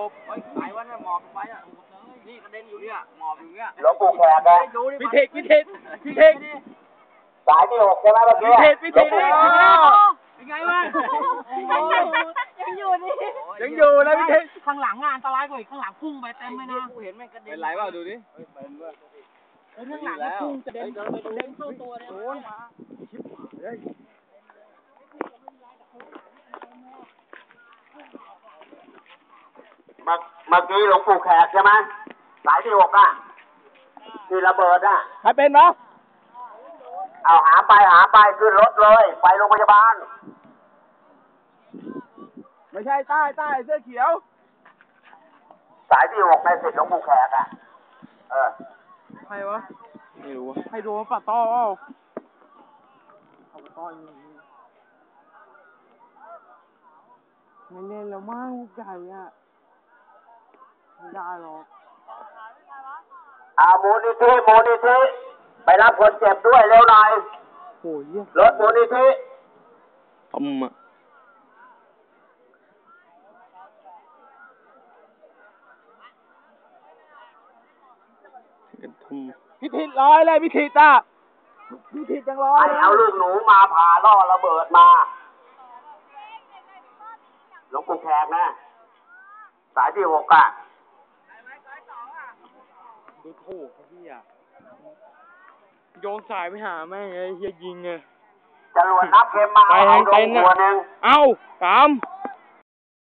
บสายวันน่ะหมอบไปอ่ะนี่กระเด็นอยู่เนี่ยหมอบอยู่เนี่ยหลวงปู่แขกนะพิเทคสายที่6ใช่ไหมเมื่อกี้พิเทคเป็นไงวะยังอยู่นี่ยังอยู่นะพิเทคข้างหลังงานอันตรายกว่าอีกข้างหลังพุ่งไปเต็มเลยนะกูเห็นแม่งกระเด็นเป็นไรวะดูดิเป็นวะข้างหลังพุ่งกระเด็นเข้าตัวเลยโดนมาเมื่อกี้หลวงปู่แขกใช่ไหมสายที่6อ่ะที่ระเบิดอ่ะใครเป็นเนาะเอาหาไปขึ้นรถเลยไปโรงพยาบาลไม่ใช่ใต้เสื้อเขียวสายที่6ในสิทธิ์หลวงปู่แขกอ่ะใครวะไม่รู้ใครโดนป่ะต้อเอาต้อไม่เล่นแล้วมั้งใหญ่อะไม่ได้หรอกมูลนิธิไปรับคนเจ็บด้วยเร็วหน่อยโอ้ยรถมูลนิธิพิธีร้อยเลยพิธีจ้าพิธีจังร้อยเอาลูกหนูมาผ่าล่อระเบิดมาหลวงปู่แขกนะสายที่6อ่ะดูถูกพี่อ่ะโยงสายไปหาแม่งไอ้เฮียยิงไงจรวดนับเข็มมาไปทางเต็นท์เอาเอ้ากาม